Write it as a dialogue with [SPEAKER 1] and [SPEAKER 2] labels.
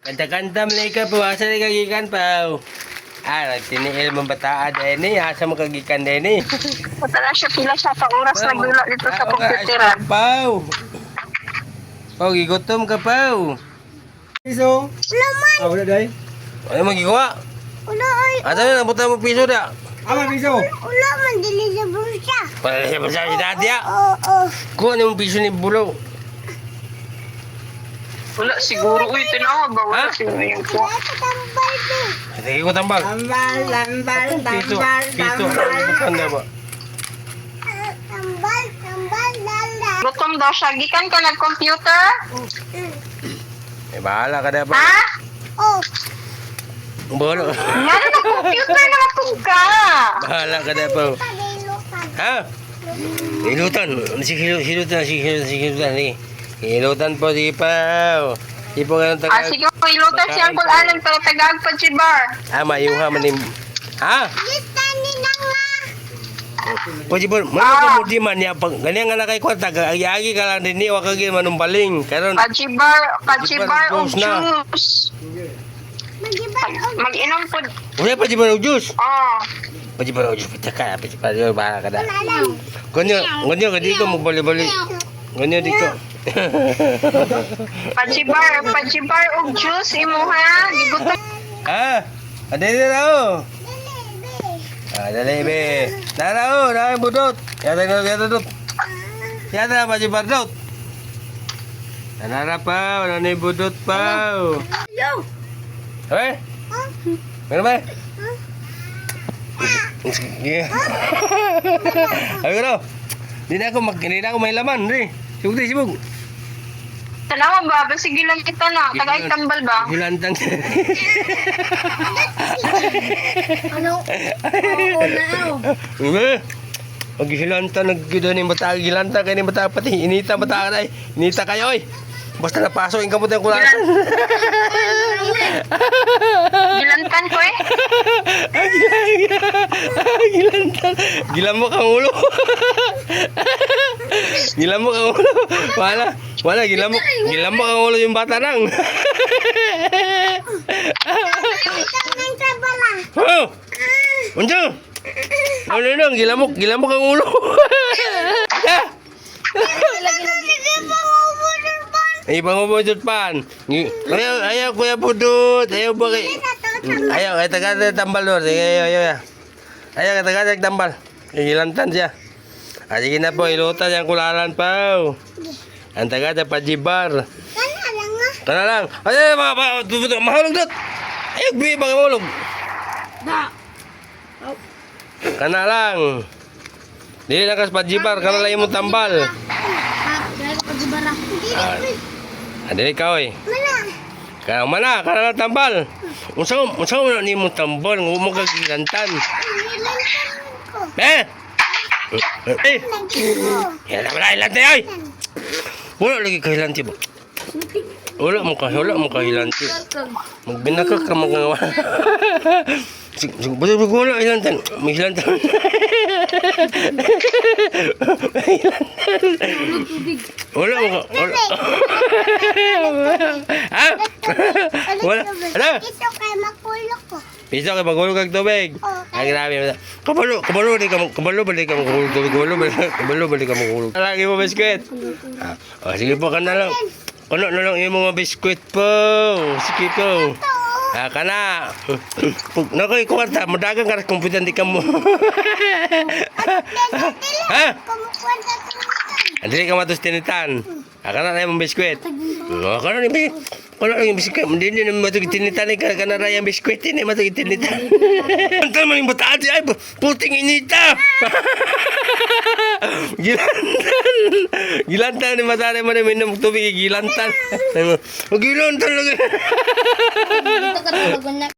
[SPEAKER 1] Kanta-kanta malika po. Asa na kagikan pa? Nagtiniil mong bataan din eh. Asa mo kagikan din eh.
[SPEAKER 2] Punta na siya pila siya sa oras nagdula dito sa computeran.
[SPEAKER 1] Pau. Pau, gigutom ka, Pau.
[SPEAKER 3] Piso.
[SPEAKER 2] Laman!
[SPEAKER 3] Wala day.
[SPEAKER 1] Ano magigawa?
[SPEAKER 2] Wala ay.
[SPEAKER 1] Asa na, nabutan mo piso na.
[SPEAKER 3] Ama piso.
[SPEAKER 2] Wala man dili sa bulsa.
[SPEAKER 1] Para siya masabi si dati ah.
[SPEAKER 2] Oo.
[SPEAKER 1] Kuha na yung piso ni Bulo.
[SPEAKER 2] Wala siguro. Uy, tinawag ba? Wala
[SPEAKER 1] Ha?
[SPEAKER 2] siguro yung po. Tambal din.
[SPEAKER 1] Sige ko tambal.
[SPEAKER 2] Tambal,
[SPEAKER 1] Piso. Piso. Bukan na ba?
[SPEAKER 2] Tambal, lala. Gutom daw siya. Gikan ka nag-computer?
[SPEAKER 1] Bahala ka na ba?
[SPEAKER 2] Ha? Oo.
[SPEAKER 1] Bahala.
[SPEAKER 2] Nga na nag-computer na matug ka.
[SPEAKER 1] Bahala ka na pa. Ha? Hilutan. Hilutan. Hilutan po, sige pa. Sige po ka ng tagal.
[SPEAKER 2] Sige, ilutan siya ang kulanan pero tagag pa si Bar.
[SPEAKER 1] Mayuha man yung... Ha?
[SPEAKER 2] Litani na nga.
[SPEAKER 1] Pwede ba? Ano mo di man niya? Ganyan nga na kay Kwanta. Agi ka lang din niya. Wag kagin manumbaling. Karon.
[SPEAKER 2] Pachibar o
[SPEAKER 1] juice na.
[SPEAKER 2] juice. Mag-inom po.
[SPEAKER 1] Wala pa di ba ng juice?
[SPEAKER 2] Oo.
[SPEAKER 1] Pwede ba ng juice? Pwede pa rin. Bahala ka na. Ganyan ka dito. Magbali-bali. Ganyan dito.
[SPEAKER 2] Pachibar o juice imo ha. Gigutom.
[SPEAKER 1] Ha? Adali na ako. Dali be. Nara o. Nara yung budot. Yata dot. Yata pa si Bardot. Nara pa. Wala na yung budot pa. Hey? Meron ba? Sige. Sabi ko daw. Hindi na ako may laman. Sibog.
[SPEAKER 2] Salamat ba? Sige lang kita na. Tagay tambal ba?
[SPEAKER 1] Hilantang.
[SPEAKER 2] Ano? Oo na.
[SPEAKER 1] Maghilanta naggido ni bata gilanta kay ni bata pati inita bata ay inita kayo oy. Basta napasok ang kamot ng kulang.
[SPEAKER 2] Gilantan ko eh.
[SPEAKER 1] Gilantan. Gilam mo kang ulo. Gilam mo kang ulo. Wala gilam mo kang ulo yung bata nang. Oh. Unjo. Ano gilam mo kang ulo. Pangubudot pan. Ayaw kuya budot. Ayaw ba kay... Ayaw taga tambal doon. Ayaw. Ayaw taga tambal. Hilantan siya. Sige na po, ilutan yung kulalan pa. Ang taga pajibar. Kana lang. Ayaw, mahulog dot. Ayaw, bigay bang mahulog. Kana lang. Dili na kas pajibar, kana lang yung tambal. Dili ka oy. Mana, kana lang tambal. Unsa mo ni mo tambal, mo kagilantan. Ya na wala ilanti oy. Wala lagi kahilanti ba? Wala mo kahilanti. Magbinaka ka mga wala ilantan. May ilantan. Wala. Ha? Wala. Ano?
[SPEAKER 2] Ito kay makulok ko.
[SPEAKER 1] Piso kay magulog kag tubig. Ay grabe. Kabalo balik ka magulog tubig. Kabalo balik ka magulog. Lagi mo biskwit. Sige po ka na lang. Kuno na lang yung mga biskwit po. Sige po. Kana. Nakoy kwarta, madagang ka kumputan di ka mo. Ha? Hindi ka matos tinitan. Kana na yung biskwit. Kana yung biskwit. Hindi na matugit tinitan. Kana na yung biskwit. Hindi matugit tinitan. Antal man yung bataan siya. Ay, puting inita. Gilantan ni matari man minum tubig. Gilantan. Gilantan lagi.